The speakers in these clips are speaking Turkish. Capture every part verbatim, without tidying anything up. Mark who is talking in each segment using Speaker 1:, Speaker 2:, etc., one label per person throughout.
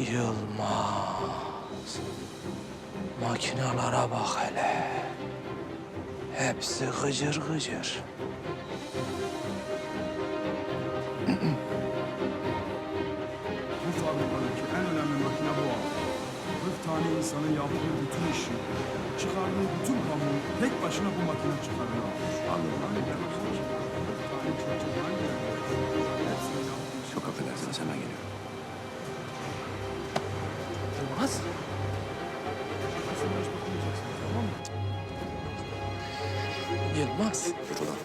Speaker 1: Yılmaz. Makinalara bak hele. Hepsi gıcır gıcır.
Speaker 2: Bu fabrikadaki en önemli makine bu abi. kırk tane insanın yaptığı bütün işi, çıkardığı bütün pamuğu tek başına bu makine çıkarıyor abi.
Speaker 3: Anladım, anladım.
Speaker 2: kırk tane çocuklar hepsini yaptığı
Speaker 3: Çok affedersiniz, hemen geliyorum.
Speaker 1: Yılmaz.
Speaker 2: şakasına hiç bakmayacaksın, tamam mı?
Speaker 1: Yılmaz.
Speaker 3: Yürü lan.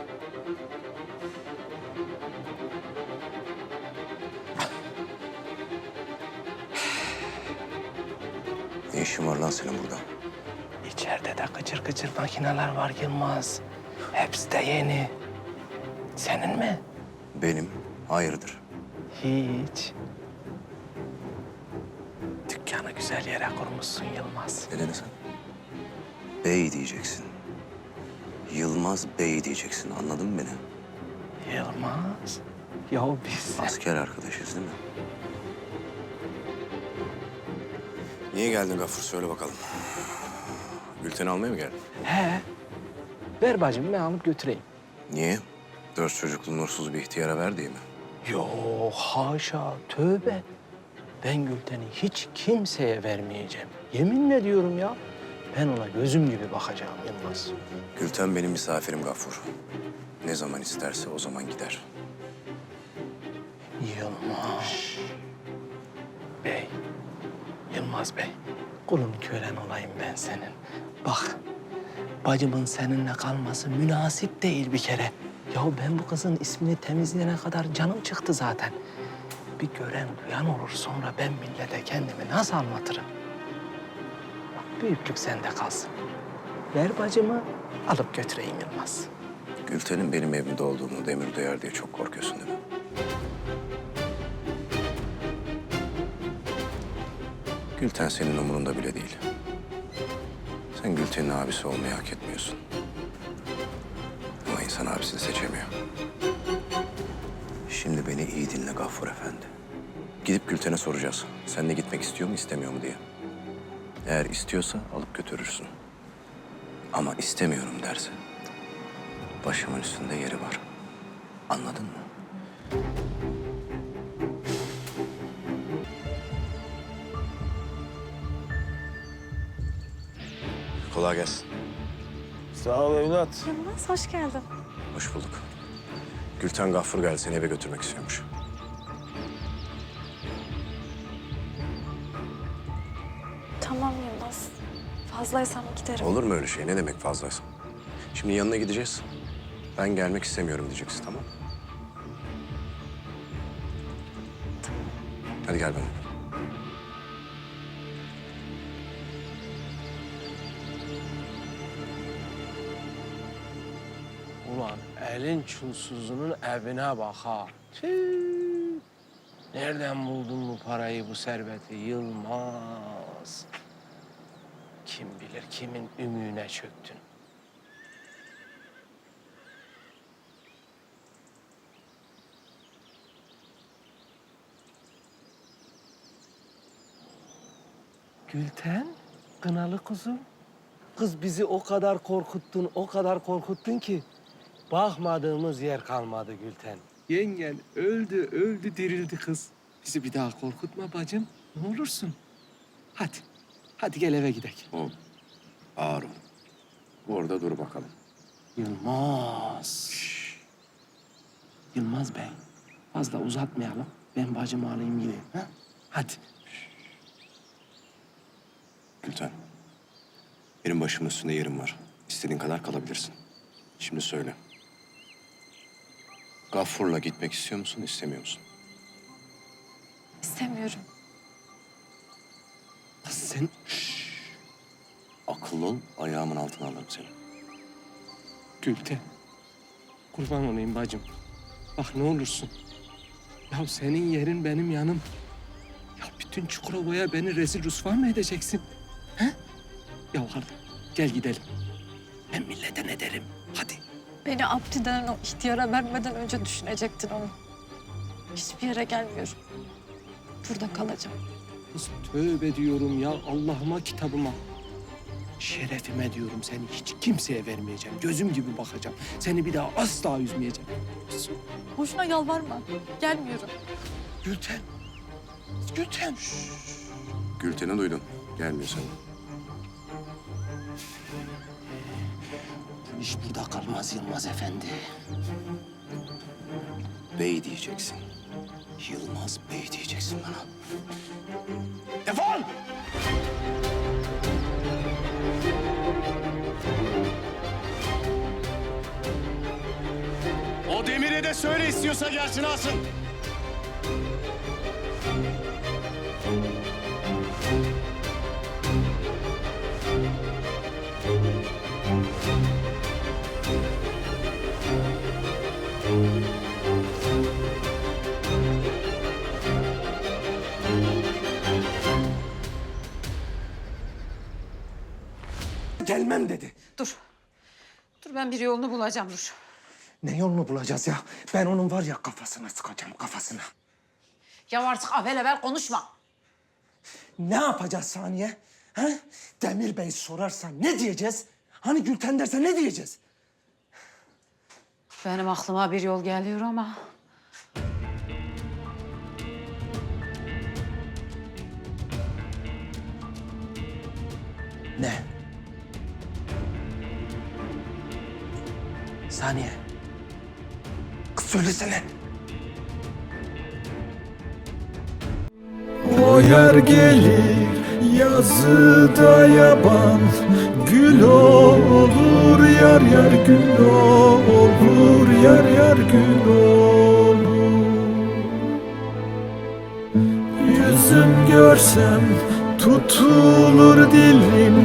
Speaker 3: Ne işin var lan senin burada?
Speaker 1: İçeride de gıcır gıcır makineler var Yılmaz. Hepsi de yeni. Senin mi?
Speaker 3: Benim, hayırdır?
Speaker 1: Hiç. Dükkanı güzel yere kurmuşsun Yılmaz.
Speaker 3: Ne dedin sen? Bey diyeceksin. Yılmaz Bey diyeceksin, anladın mı beni?
Speaker 1: Yılmaz. Ya biz...
Speaker 3: Asker arkadaşız değil mi? Niye geldin Gafur? Söyle bakalım. Gülten'i almaya mı geldin?
Speaker 1: He. Ver bacım ben alıp götüreyim.
Speaker 3: Niye? Dört çocuklu nursuz bir ihtiyara ver diye mi?
Speaker 1: Yok haşa tövbe. Ben Gülten'i hiç kimseye vermeyeceğim. Yeminle diyorum ya. Ben ona gözüm gibi bakacağım Yılmaz.
Speaker 3: Gülten benim misafirim Gafur. Ne zaman isterse o zaman gider.
Speaker 1: Yılmaz. Bey. Yılmaz Bey. Kulun kölen olayım ben senin. Bak. Bacımın seninle kalması münasip değil bir kere. Ya ben bu kızın ismini temizleyene kadar canım çıktı zaten. Bir gören duyan olur sonra ben millete kendimi nasıl anlatırım? Bak büyüklük sende kalsın. Ver bacımı alıp götüreyim Yılmaz.
Speaker 3: Gülten'in benim evimde olduğumu Demir duyar diye çok korkuyorsun değil mi? Gülten senin umurunda bile değil. Sen Gülten'in abisi olmayı hak etmiyorsun. Ama insan abisini seçemiyor. Şimdi beni iyi dinle Gaffur Efendi. Gidip Gülten'e soracağız. Seninle gitmek istiyor mu, istemiyor mu diye. Eğer istiyorsa alıp götürürsün. Ama istemiyorum derse başımın üstünde yeri var. Anladın mı? Kolay gelsin.
Speaker 1: Sağ ol evlat.
Speaker 4: Yılmaz hoş geldin.
Speaker 3: Hoş bulduk. Gülten Gaffur geldi, seni eve götürmek istiyormuş.
Speaker 4: Tamam Yılmaz. Fazlaysam giderim.
Speaker 3: Olur mu öyle şey? Ne demek fazlaysa? Şimdi yanına gideceğiz. Ben gelmek istemiyorum diyeceksin, tamam mı? Hadi gel benimle.
Speaker 1: Ulan elin çulsuzunun evine bak ha. Tüh. Nereden buldun bu parayı, bu serveti Yılmaz? Kim bilir kimin ümüğüne çöktün. Gülten, kınalı kuzum. Kız bizi o kadar korkuttun, o kadar korkuttun ki bakmadığımız yer kalmadı Gülten. Yengen öldü, öldü, dirildi kız. Bizi bir daha korkutma bacım. Ne olursun. Hadi, hadi gel eve gidelim.
Speaker 3: Oğlum, ağır ol. Orada dur bakalım.
Speaker 1: Yılmaz. Yılmaz Bey, fazla uzatmayalım. Ben bacımı alayım gideyim. Ha? Hadi.
Speaker 3: Gülten, benim başımın üstünde yerim var. İstediğin kadar kalabilirsin. Şimdi söyle. Gaffur'la gitmek istiyor musun, istemiyor musun?
Speaker 4: İstemiyorum.
Speaker 1: Kız sen...
Speaker 3: Akıllı ol, ayağımın altına alırım seni.
Speaker 1: Gülten, kurban olayım bacım. Bak ne olursun. Ya senin yerin benim yanım. Ya bütün Çukurova'ya beni rezil rüsva mı edeceksin? He? Ya hadi gel gidelim. Ben millete ne derim? Hadi.
Speaker 4: Beni Abdi denen o ihtiyara vermeden önce düşünecektin onu. Hiçbir yere gelmiyorum. Burada kalacağım.
Speaker 1: Kız tövbe diyorum ya Allah'ıma kitabıma. Şerefime diyorum seni hiç kimseye vermeyeceğim. Gözüm gibi bakacağım. Seni bir daha asla üzmeyeceğim.
Speaker 4: Boşuna yalvarma. Gelmiyorum.
Speaker 1: Gülten. Gülten.
Speaker 3: Gülten'i duydun. Gelmiyor sana.
Speaker 1: Bu iş burada kalmaz Yılmaz Efendi.
Speaker 3: Bey diyeceksin.
Speaker 1: Yılmaz Bey diyeceksin bana. Defol!
Speaker 5: O Demir'e de söyle istiyorsa gelsin alsın.
Speaker 1: Gelmem dedi.
Speaker 6: Dur. Dur ben bir yolunu bulacağım dur.
Speaker 1: Ne yolunu bulacağız ya? Ben onun var ya kafasına sıkacağım kafasına.
Speaker 6: Ya artık avel avel konuşma.
Speaker 1: Ne yapacağız Saniye? Ha? Demir Bey sorarsa ne diyeceğiz? Hani Gülten derse ne diyeceğiz?
Speaker 6: Benim aklıma bir yol geliyor ama...
Speaker 1: Ne? Saniye. Kız söylesene.
Speaker 7: O yer gelir yazıda yaban, gül olur yar yar gül olur yar yar gül olur. Yüzüm görsem tutulur dilim.